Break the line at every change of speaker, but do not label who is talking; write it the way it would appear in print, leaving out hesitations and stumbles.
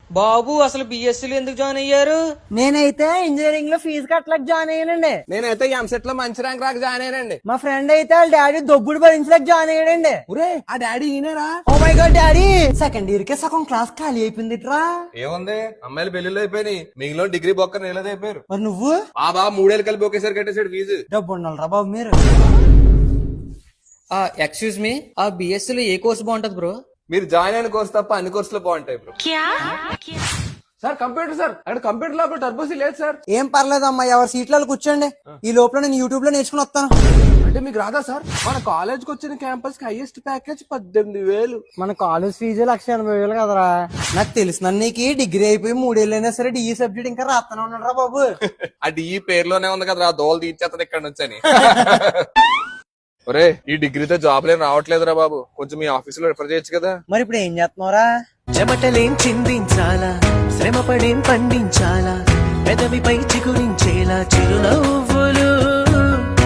బాబు అసలు బిఎస్సీలో ఎందుకు జాయిన్ అయ్యారు?
నేనైతే ఇంజనీరింగ్ లో ఫీజు కట్టలేక జాయిన్ అయ్యానండి.
నేనైతే ఎంసెట్ లో మంచి ర్యాంక్ రాక జాయిన్ అయ్యానండి.
మా ఫ్రెండ్ అయితే వాళ్ళ డాడీ దొబ్బుడు భరించలేక జాయిన్ అయ్యాడండి.
ఒరే ఆ డాడీ ఈయనరా?
Oh my god daddy, second year కే సగం క్లాస్ ఖాళీ అయిపోయిందిట్రా.
ఏముంది, అమ్మాయిలు పెళ్లిళ్ళు అయిపోయినాయి, మిగిలిన డిగ్రీ బొక్క నీళ్ళది అయిపోయారు.
మరి నువ్వు?
బాబా 3 ఏళ్ళు కలిపి ఒకేసారి కట్టేసాడు ఫీజు.
డబ్బు ఉండాలిరా బాబు మీరు.
ఎక్స్క్యూజ్ మీ, ఆ బిఎస్సీలో ఏ కోర్స్ బాగుంటది బ్రో?
మీరు జాయిన్ అయిన కోర్స్ తప్ప అన్ని కోర్సులు బాగుంటాయి బ్రో. సార్ కంప్యూటర్ సార్, అక్కడ కంప్యూటర్ లో టర్బోసీ లేదు సార్.
ఏం పర్లేదమ్మా, ఎవరి సీట్లలో కూర్చోండి. ఈ లోపల నేను యూట్యూబ్ లో నేర్చుకుని వస్తాను.
అంటే మీకు రాదా సార్? మన కాలేజ్ కి వచ్చిన క్యాంపస్ కి హైయెస్ట్ ప్యాకేజ్ 18,000.
మన కాలేజ్ ఫీజు 1,80,000 కదరా. నాకు తెలిసిన నీకు డిగ్రీ అయిపోయి 3 ఏళ్ళైనా సరే డిఈ సబ్జెక్ట్ ఇంకా రాస్తానే ఉన్నాడు బాబు.
అది ఈ పేరులోనే ఉంది కదా, దోలు తీర్చేస్తుంది ఇక్కడ నుంచి అని. ఒరే ఈ డిగ్రీతో జాబ్ లేని రావట్లేదురా బాబు, కొంచెం మీ ఆఫీస్ లో రిఫర్ చేయొచ్చు కదా.
మరి ఇప్పుడు ఏం చేస్తున్నారా?
చెమటలేం చిందించాలా, శ్రమపడేం పండించాలా, పెదవిపై చిగురించేలా చిరునవ్వు